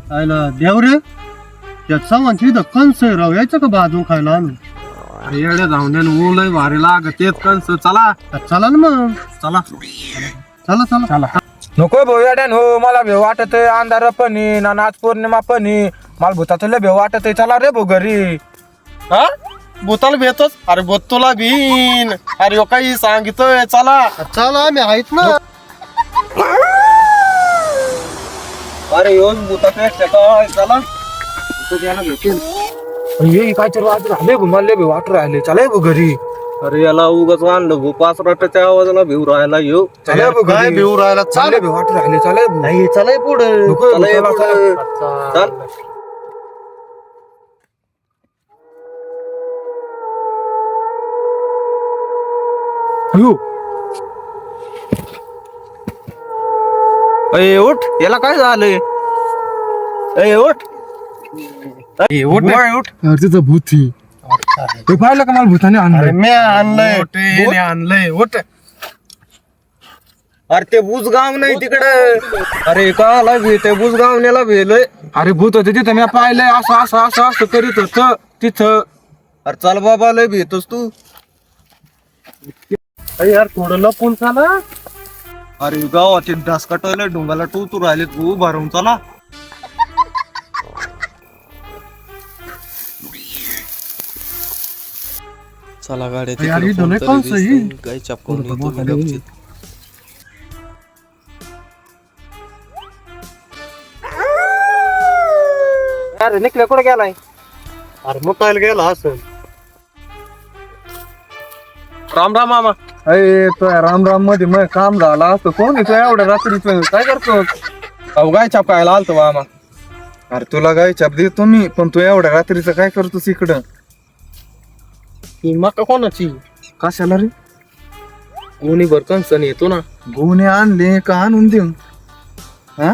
आयला देव रे त्या चव्हाणची इथं कंस आहे राव, यायचं का बाजू खायला आणून? अरे येड्या धावण्यान ऊलय भारी लागतेत कंस. चला चला ना मग, चला चला चला चला. नको भाऊ येड्यान हो, मला भेव वाटत आहे. अंधार पण आहे ना, आज पौर्णिमा पण आहे. मला भूतात लय भेव वाटत आहे. चला रे भाऊ घरी. हा भूताला भेटच. अरे भूत तुला भीन. अरे काही सांगितोय. चला चला आम्ही आहेत ना. अरे येऊन भूतापेक्षा काय. चला ये काय तर वाजत राहिले भाऊ, मला लय भेव वाटत राहिले. चला भाऊ घरी. अरे याला उगाच आणलं भू. 5 रटाच्या आवाजाला भिव राहायला येऊ. चला भाऊ काय घरी. भिवू राहिला? चाले भेव वाटत राहिले. चला भाऊ. नाही चला पुढे. नको चला ये चला, पुढं. चला. चल अयो, अय उठ. याला काय झालंय? अय उठ. अय उठ ना. उठ. अरे तिचं भूत ही. हे पाहिलं का मला भूताने अरे आणलं. मी आणलंय. मोठे आणलंय. उठ. अरे ते बुजगाव नाही तिकडे. अरे काला भेट बुजगावण्याला भेलय. अरे भूत होते तिथं, मी पाहिलंय. असं असं असं असं करीत होत तिथं. अरे चल बाबा लय भेटतोस तू. अरे यार थोडं लपून चला. अरे गावाचे ढास कटवले ढोंगाला तू राहिले तू भरून. चला चला गाड्या यार, इथं लय कंस आहे. काही चापकून अरे निकले कुठे गेलाय? अरे मग काय गेला असं. राम राम मामा. अरे तो राम राम मध्ये मग काम झाला असतं. कोण येतो एवढ्या रात्रीचं? काय करतो? अहो गाय छापायला आलतो मामा. अरे तुला गाय छाप देतो मी, पण तू एवढ्या रात्रीचं काय करतोस इकडं? ही मका कोणाची? कशाला रे? कोणी भर कंसन येतो ना. गुन्हे आणले का आणून देऊ? हा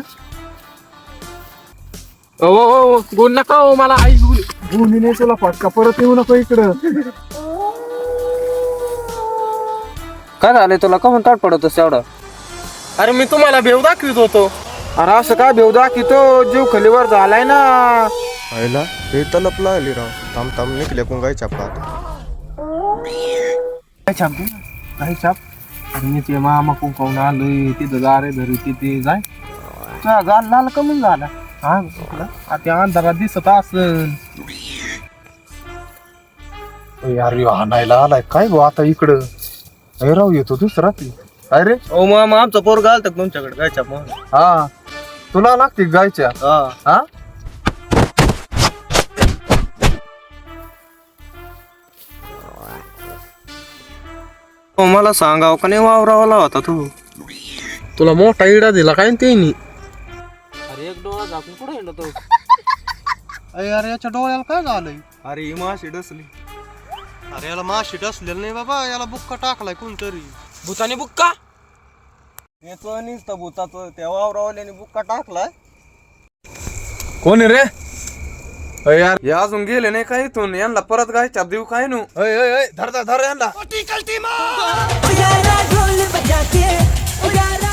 ओ गुण नका हो मला आई गुन्हे तुला फटका परत येऊ नको इकडं. काय झालंय तुला का म्हणतात पडतोस एवढा? अरे मी तुम्हाला भेव दाखवित होतो. अरे असं काय भेव दाखवतो? जीव खलीवर झालाय ना. आईला हे तलप लागली राव. थांब थांब निघले कोण गाय छापा. काय छाप दे, काय छाप. अरे मी ते मामा कुंकावून आलोय तिथं जा रे धरी तिथे जाय. गाल लाल कमी झाला. हा आता अंधारात दिसत असल. यार हाणायला आलाय काय गो आता इकडं. अरे राव येतो दुसरा ती. काय रे? ओ मामा आमचा पोरगा आलता तुमच्याकडे गाय छाप. हा तुला लागते गायच्या? हा मला सांगाव का नाही वावरावाला होता तू. तुला मोठा इडा दिला काय ते. अरे एक डोळा झाकून कुठे हिंडतो? अरे यार याच्या डोळ्याला काय झालंय? अरे ही माशी डसली. अरे याला माशी डसलेलं नाही बाबा, याला बुक्का टाकलाय कोणतरी. भूताने बुक्का? याचं नुसतं भूताचं त्या वावरावाल्याने बुक्का टाकलाय. कोण रे? यार हे अजून गेले नाही का इथून? यांना परत गाय छाप देऊ काय नु? धर धर धर यांना. उजाला ढोल बजा के उजाला